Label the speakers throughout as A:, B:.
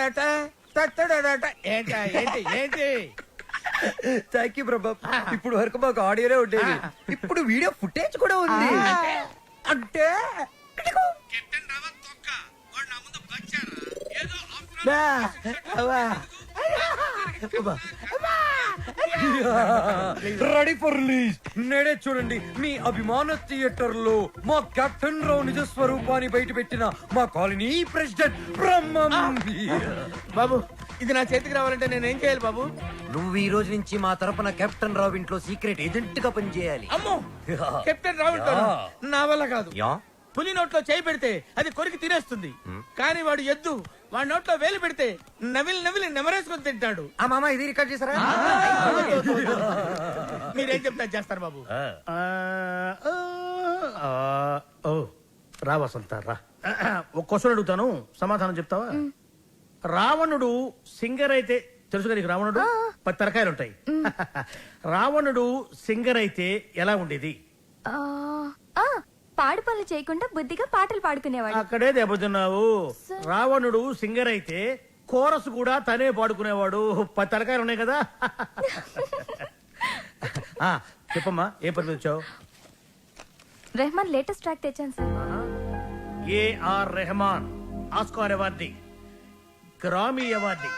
A: తత్తడట తత్తడట ఏంటి ఏంటి ఏంటి?
B: థ్యాంక్ యూ ప్రభా. ఇప్పుడు వరకు మాకు ఆడియోనే ఉండేది, ఇప్పుడు వీడియో ఫుటేజ్ కూడా ఉంది.
A: అంటే బా, అవ్వా.
B: Ready for release. నేడే చూడండి మీ అభిమాన థియేటర్ లో మా కెప్టెన్ రావు నిజ స్వరూపాన్ని బయట పెట్టిన మా కాలనీ ప్రెసిడెంట్ బ్రహ్మం.
A: బాబు ఇది నా చేతికి రావాలంటే నేను ఏం చేయాలి బాబు?
B: నువ్వు ఈ రోజు నుంచి మా తరపున కెప్టెన్ రావు ఇంట్లో సీక్రెట్ ఏజెంట్ గా పనిచేయాలి.
A: అమ్మో కెప్టెన్ రావు నా వల్ల కాదు. పులి నోట్లో చేయి పెడితే అది కొరికి తినేస్తుంది, కానీ వాడు ఎద్దు వాడి నోట్లో వేలు పెడితే నవిలి నవిలి నెమరేసుకొని తింటాడు.
B: ఆ మామ ఇది రికార్డ్ చేశారా?
A: మీరేం చెప్తా చేస్తారు బాబు.
C: ఓ రా వసంత రా. ఒక క్వశ్చన్ అడుగుతాను, సమాధానం చెప్తావా? రావణుడు సింగర్ అయితే తెలుసుగా నీకు? రావణుడు 10 తరకాయలు ఉంటాయి. రావణుడు సింగర్ అయితే ఎలా ఉండేది?
D: పాడు పనులు చేయకుండా బుద్ధిగా పాటలు పాడుకునేవాడు.
C: అక్కడే దెబ్బతిన్నావు. రావణుడు సింగర్ అయితే కోరస్ కూడా తనే పాడుకునేవాడు. 10 తరకాయలు ఉన్నాయి కదా. చెప్పమ్మా, ఏ పని వచ్చావు?
D: రెహమాన్ లేటెస్ట్ ట్రాక్ తెచ్చాను sir.
C: AR Rahman Oscar awardee, Grammy awardee.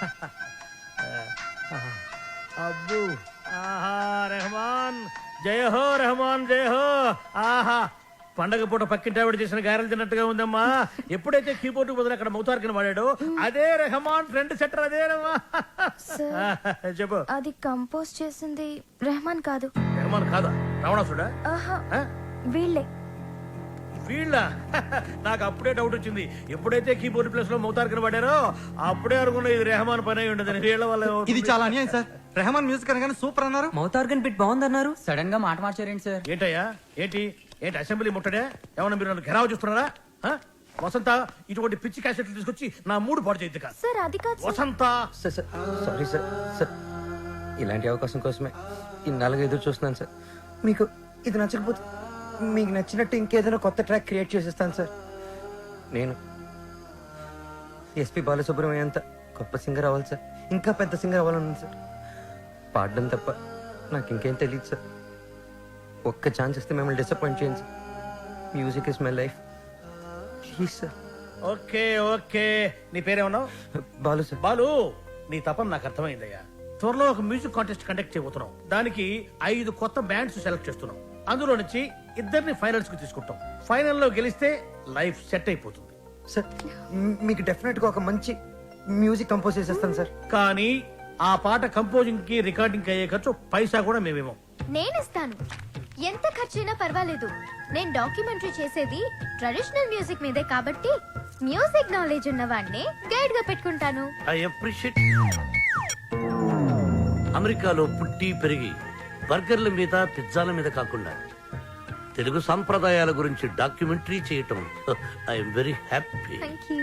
C: అబ్బు ఆహా రెహమాన్ జయ హో, రెహమాన్ జయ హో. ఆహా పండగ పూట పక్కింటి ఆవిడ చేసిన గారెలు తిన్నట్టుగా ఉందమ్మా. ఎప్పుడైతే కీబోర్డ్ బదులు అక్కడ మౌతార్కిన వాడాడో అదే రెహమాన్ ఫ్రెండ్ సెటర్ అదేనమ్మా. చెప్పు.
D: అది కంపోజ్ చేసింది రెహమాన్ కాదు.
C: రెహమాన్ కాదా? రావణాసుడా?
D: వీళ్ళే.
C: వీళ్ళ? నాకు అప్పుడే డౌట్ వచ్చింది. ఎప్పుడైతే కీబోర్డ్ ప్లేస్ లో మౌతార్కిన వాడారో అప్పుడే అనుకున్నా ఇది రెహమాన్ పని అయి ఉండదు. వీళ్ళ వల్ల
E: ఇది చాలా అన్యాయం సార్. రెహమాన్ మ్యూజిక్ అనగానే సూపర్ అన్నారు, మౌతార్గన్ బిట్ బాగుందన్నారు, సడన్ గా మాట మార్చారేంటి సార్?
C: ఏంటయ్యా ఏంటి ఏంటి అసెంబ్లీ ముట్టడే? ఏమన్నా మీరు నన్ను ఘెరావు చూస్తున్నారా? వసంత ఇటువంటి పిచ్చి క్యాసెట్లు తీసుకొచ్చి నా మూడు పాడు చేయద్దు కాదు.
D: సార్ అది కాదు
C: వసంత.
B: Sorry sir. సార్ ఇలాంటి అవకాశం కోసమే ఇన్నాళ్ళుగా ఎదురు చూస్తున్నాను సార్. మీకు ఇది నచ్చకపోతే మీకు నచ్చినట్టు ఇంకేదైనా కొత్త ట్రాక్ క్రియేట్ చేసేస్తాను సార్. నేను ఎస్పి బాలసుబ్రహ్మణ్యం అంత గొప్ప సింగర్ అవ్వాలి సార్, ఇంకా పెద్ద సింగర్ అవ్వాలన్నాను సార్. పాడడం తప్ప నాకు ఇంకేం తెలియదు సార్. ఒక్క ఛాన్స్ ఇస్తే మిమ్మల్ని డిసప్పాయింట్ చేయండి sir. Music is my life, please sir.
C: Okay okay, నీ పేరేమన్నావు?
B: బాలు సార్.
C: బాలు, నీ తపన నాకు అర్థమైందయ్యా. త్వరలో ఒక మ్యూజిక్ కాంటెస్ట్ కండక్ట్ చేయబోతున్నాం. దానికి 5 కొత్త బ్యాండ్స్ సెలెక్ట్ చేస్తున్నాం. అందులో నుంచి 2 ఫైనల్స్ కి తీసుకుంటాం. ఫైనల్లో గెలిస్తే లైఫ్ సెట్ అయిపోతుంది
B: సార్. మీకు డెఫినెట్ గా ఒక మంచి మ్యూజిక్ కంపోజ్ చేసేస్తాను సార్.
C: కానీ ఆ పాట కంపోజింగ్ కి రికార్డింగ్ అయ్యే ఖర్చు పైసా కూడా మేమేమో.
D: నేనిస్తాను, ఎంత ఖర్చైనా పర్వాలేదు. నేను డాక్యుమెంటరీ చేసేది ట్రెడిషనల్ మ్యూజిక్ మీదే కాబట్టి మ్యూజిక్ నాలెడ్జ్ ఉన్న వాడిని గైడ్ గా పెట్టుకుంటాను.
F: I appreciate. అమెరికాలో పుట్టి పెరిగి బర్గర్ల మీద పిజ్జాల మీద కాకుండా తెలుగు సంప్రదాయాల గురించి డాక్యుమెంటరీ చేయటం I'm very happy.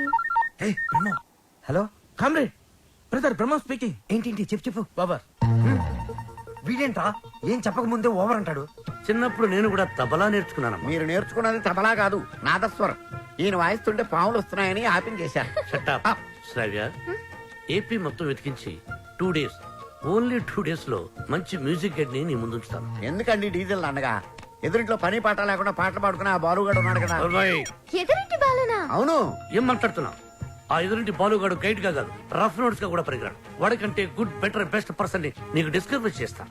B: Hello
A: comrade, brother Brahma speaking.
B: ఏంటి చెప్పు.
A: బాబర్
B: వీడేంట్రా ఏం చెప్పక ముందే ఓవర్ అంటాడు.
F: చిన్నప్పుడు నేను కూడా తబలా నేర్చుకున్నాను.
G: మీరు నేర్చుకున్నది తబలా కాదు, నాదస్వరం. ఈయన వాయిస్తుంటే పాములు వస్తున్నాయని ఆపించేశారు.
F: శ్రావ్య, ఏపీ మొత్తం వెతికించి 2 days, ఓన్లీ 2 days లో మంచి మ్యూజిక్ గైడ్ ని నీ ముందుంచుతాను.
G: ఎందుకండి డీజిల్ అనగా? ఎదురింట్లో పని పాట లేకుండా పాటలు పాడుకుని ఆ బాలుగాడు ఉన్నాడు కదా.
D: ఎదురింటి బాలునా?
G: అవును.
F: ఏం మాట్లాడుతున్నావు? ఆ ఎదురింటి బాలుగాడు గైడ్ గా కాదు, రఫ్ నోట్స్ గా కూడా పరిగరాడు. వాడికంటే గుడ్ బెటర్ బెస్ట్ పర్సన్ ని నీకు డిస్కవర్ చేస్తా.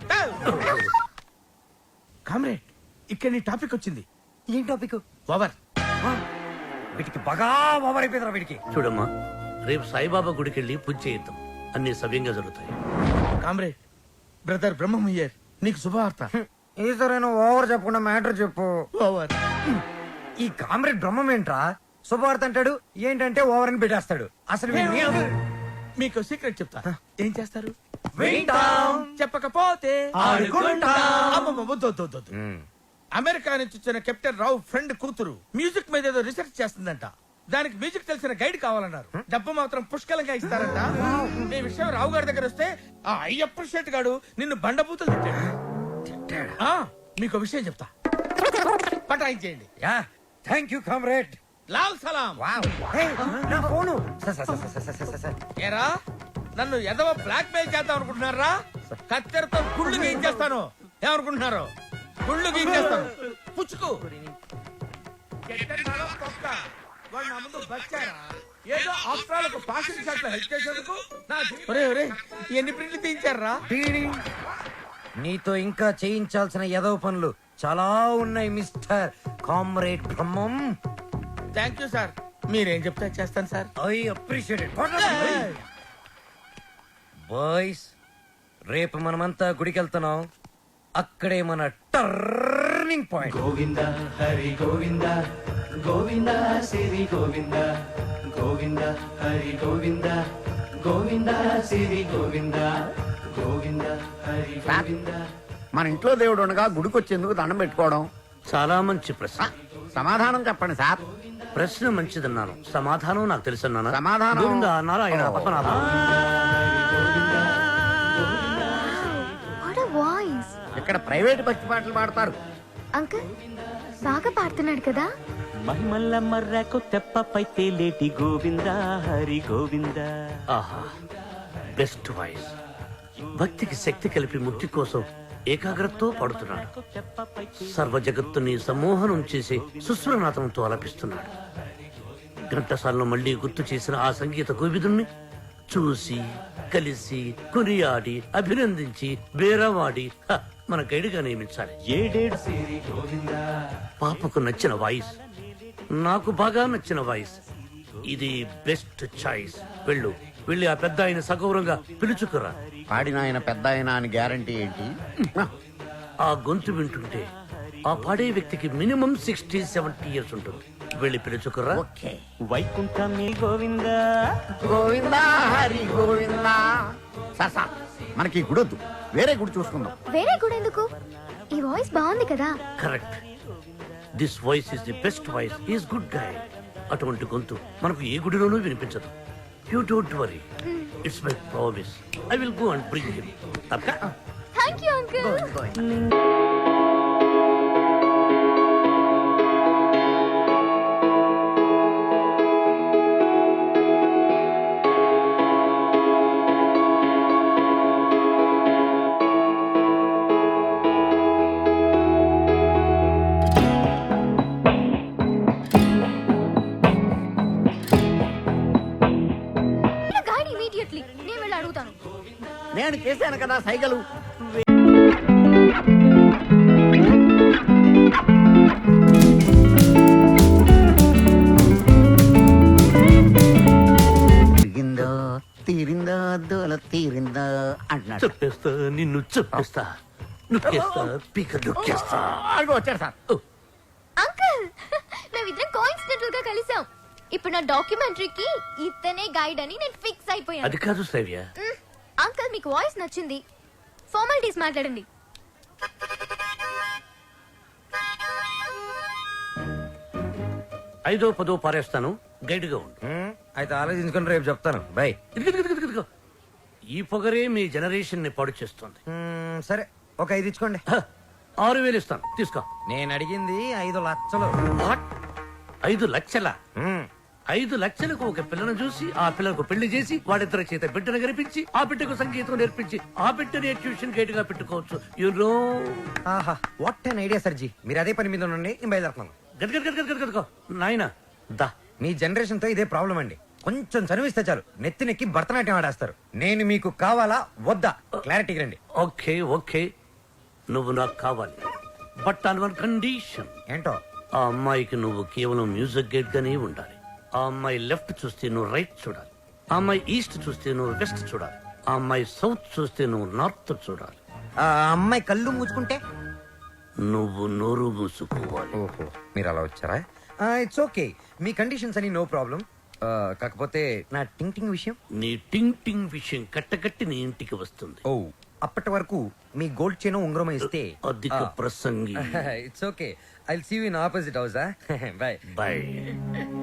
A: కామ్రేడ్, ఇక్కడ నీ టాపిక్ వచ్చింది.
B: ఏం టాపిక్?
A: ఓవర్.
B: వీటికి బాగా ఓవర్ అయిపోయిందిరా వీడికి.
F: చూడమ్మా, రేపు సాయిబాబా గుడికి వెళ్ళి పూజ చేయిద్దాం, అన్ని సవ్యంగా జరుగుతాయి.
A: కామ్రేడ్, బ్రదర్ బ్రహ్మం హియర్, నీకు శుభవార్త.
B: ఈసారైనా ఓవర్ చెప్పకుండా మ్యాటర్ చెప్పు.
A: ఓవర్.
B: ఈ కామ్రేడ్ బ్రహ్మం ఏంట్రా శుభవార్త అంటాడు, ఏంటంటే ఓవర్ అని పెట్టేస్తాడు. అసలు
A: మీకు సీక్రెట్ చెప్తా. ఏం చేస్తారు?
B: వింటాం.
A: చెప్పకపోతే
B: ఆడుకుంటాం.
A: అమ్మమ్మ, వద్దు, వద్దు, వద్దు, వద్దు. అమెరికా నుంచి వచ్చిన కెప్టెన్ రావు ఫ్రెండ్ కూతురు మ్యూజిక్ మీద ఏదో రీసెర్చ్ చేస్తుందంట. దానికి మ్యూజిక్ తెలిసిన గైడ్ కావాలన్నారు. డబ్బు మాత్రం పుష్కలంగా ఇస్తారంట. ఈ విషయం రావు గారి దగ్గర వస్తే ఆ అప్రిషియేట్ గాడు నిన్ను బండబూతులు తిట్టాడు. మీకు విషయం చెప్తా, పటాయించేయండి.
B: Thank you comrade.
A: లాల్ సలాం.
B: నా phone sir, sir, sir, sir, sir, sir, sir.
A: ఏరా నన్ను ఎదవ బ్లాక్ మెయిల్ చేద్దాం అనుకుంటున్నారా? కత్తెరతో గుళ్ళు గీయించేస్తాను. ఏమనుకుంటున్నారు? గుళ్ళు గీయించేస్తాను. పుచ్చుకు ఎట్టెట్టాలో తొక్క. వాడు నా ముందు బచ్చారా? ఏదో ఆఫ్రాలకు పాసింగ్ షాట్ లో హెల్ప్ చేసేందుకు నా ఎన్ని ప్రింట్లు తీయించారా?
B: నీతో ఇంకా చేయించాల్సిన ఎదవ పనులు చాలా ఉన్నాయి mister comrade Brahmam.
A: Thank you sir. మీరేం చెప్తే చేస్తాను sir.
B: I appreciate it. Boys, రేపు మనమంతా గుడికి వెళ్తున్నాం. అక్కడే మన టర్నింగ్ పాయింట్.
H: గోవింద హరి గోవింద గోవింద సిరి గోవింద గోవింద హరి గోవింద గోవింద సిరి గోవింద గోవింద హరి గోవింద.
G: మన ఇంట్లో దేవుడు ఉండగా గుడికి వచ్చేందుకు దండం పెట్టుకోవడం.
F: చాలా మంచి ప్రశ్న.
G: సమాధానం చెప్పండి సార్.
F: ప్రశ్న మంచిదన్నాను, సమాధానం నాకు తెలుసన్నాను.
G: సమాధానం-
F: Govinda Narayana Padmanabha.
D: What a voice.
G: ఇక్కడ ప్రైవేట్ భక్తి పాటలు పాడతారు.
D: అంకుల్ బాగా పాడుతున్నాడు కదా.
H: మహిమల్ల మర్రకు తెప్పపై తేలేటి గోవింద హరి గోవింద.
F: ఆహా, బెస్ట్ వాయిస్. భక్తికి శక్తి కలిపి ముక్తి కోసం ఏకాగ్రతతో పాడుతున్నాడు. సర్వ జగత్తుని సమ్మోహనం చేసి సుస్వరనాథంతో ఆలపిస్తున్నాడు. ఘంటసాలను మళ్లీ గుర్తు చేసిన ఆ సంగీత కోవిదుణ్ణి చూసి కలిసి కొనియాడి అభినందించి బేరవాడి మన గైడ్గా నియమించాలి.
H: ఏడేడు సిరి గోవింద.
F: పాపకు నచ్చిన వాయిస్, నాకు బాగా నచ్చిన వాయిస్. ఇది బెస్ట్ చాయిస్. వెళ్ళి ఆ పెద్ద ఆయన సగౌరవంగా పిలుచుకురా.
G: పాడిన ఆయన పెద్ద ఆయన అని గ్యారంటీ ఏంటి?
F: ఆ గొంతు వింటుంటే ఆ పాడే వ్యక్తికి మినిమం 60-70 ఇయర్స్ ఉంటుంది. వెళ్ళి పిలుచుకురా.
G: ఓకే.
H: వైకుంఠమి గోవింద
G: గోవింద హరి గోవింద. సార్ సార్, మనకి ఈ గుడొద్దు, వేరే గుడి చూసుకుందాం.
D: వేరే కూడా ఎందుకు? ఈ వాయిస్ బాగుంది కదా.
F: Correct. This voice is the best voice. Is good guy. అటువంటి గొంతు మనకు ఏ గుడిలోనూ వినిపించదు. You don't worry, it's my promise. I will go and bring him.
D: Thank you uncle. గాడి ఇమీడియట్లీ నేను వెళ్ళి అడుగుతాను.
G: నేను చేశాను కదా సైగలు. తిరిగిందో తీరిందో దోల తీరిందో అంటున్నాడు.
F: చెప్పేస్తా, నిన్ను చెప్పేస్తా, నొక్కేస్తా, పీక నొక్కేస్తా.
G: అడుగు వచ్చాడు సార్.
D: అంకుల్ మేమిద్దరం కోఇన్సిడెంటల్ గా కలిసాం. ఇప్పుడు నా డాక్యుమెంటరీకి ఇతనే గైడ్ అని నేను ఫిక్స్ అయిపోయాను.
F: అది కాదు శ్రవ్య.
D: అంకుల్ మీకు వాయిస్ నచ్చింది, ఫార్మాలిటీస్ మాట్లాడండి.
F: ఐదో పదో పారేస్తాను, గైడ్ గా ఉండు.
B: అయితే ఆలోచించుకుని రేపు చెప్తాను. బై.
F: ఇదిగో. ఈ పొగరే మీ జనరేషన్ ని పాడు చేస్తుంది.
B: సరే, ఒక 5 ఇచ్చుకోండి.
F: 6,000 ఇస్తాను, తీసుకో.
B: నేను అడిగింది 5 లక్షలు.
F: 5 లక్షల?
B: మ్మ్.
F: 5 లక్షలకు ఒక పిల్లను చూసి ఆ పిల్లకు పెళ్లి చేసి వాడిద్దరి చేత బిడ్డను కనిపించి ఆ బిడ్డకు సంగీతం నేర్పించి ఆ బిడ్డని ట్యూషన్ గైడ్ గా పెట్టుకోవచ్చు. యూనో.
B: ఆహా, వాట్ అన్ ఐడియా సర్జీ. మీరు అదే పని మీద ఉండండి, నేను బయలుదేరుతున్నాను.
F: గదగదగదగదగో నాయనా దా.
B: మీ జనరేషన్ తో ఇదే ప్రాబ్లం అండి. కొంచెం చదివిస్తే చాలు నెత్తినెక్కి భరతనాట్యం ఆడేస్తారు. నేను మీకు కావాలా వద్దా? క్లారిటీ రండి.
F: ఓకే ఓకే, నువ్వు నాకు కావాలి, బట్ ఆన్ వన్ కండిషన్.
B: ఏంటో?
F: ఆ అమ్మాయికి నువ్వు కేవలం మ్యూజిక్ గైడ్ గానే ఉండాలి. ఆ అమ్మాయి లెఫ్ట్ చూస్తే నువ్వు రైట్ చూడాలి. ఆ అమ్మాయి ఈస్ట్ చూస్తే నువ్వు వెస్ట్ చూడాలి. ఆ అమ్మాయి సౌత్ చూస్తే నువ్వు నార్త్ చూడాలి.
B: ఆ అమ్మాయి కళ్ళు మూసుకుంటే?
F: నువ్వు నోరు మూసుకోవాలి.
B: ఓహో, మీరు అలా వచ్చారా? ఇట్స్ ఓకే, మీ కండిషన్స్ అని నో ప్రాబ్లం. కాకపోతే నా టింగ్ టింగ్ విషయం.
F: నీ టింగ్ టింగ్ విషయం కట్టకట్టి నీ ఇంటికి వస్తుంది.
B: ఓ, అప్పటి వరకు మీ గోల్డ్ చైన్ ఉంగరం ఇస్తే.
F: అధిక ప్రసంగి.
B: It's okay, I will see you in opposite house. Bye
F: by.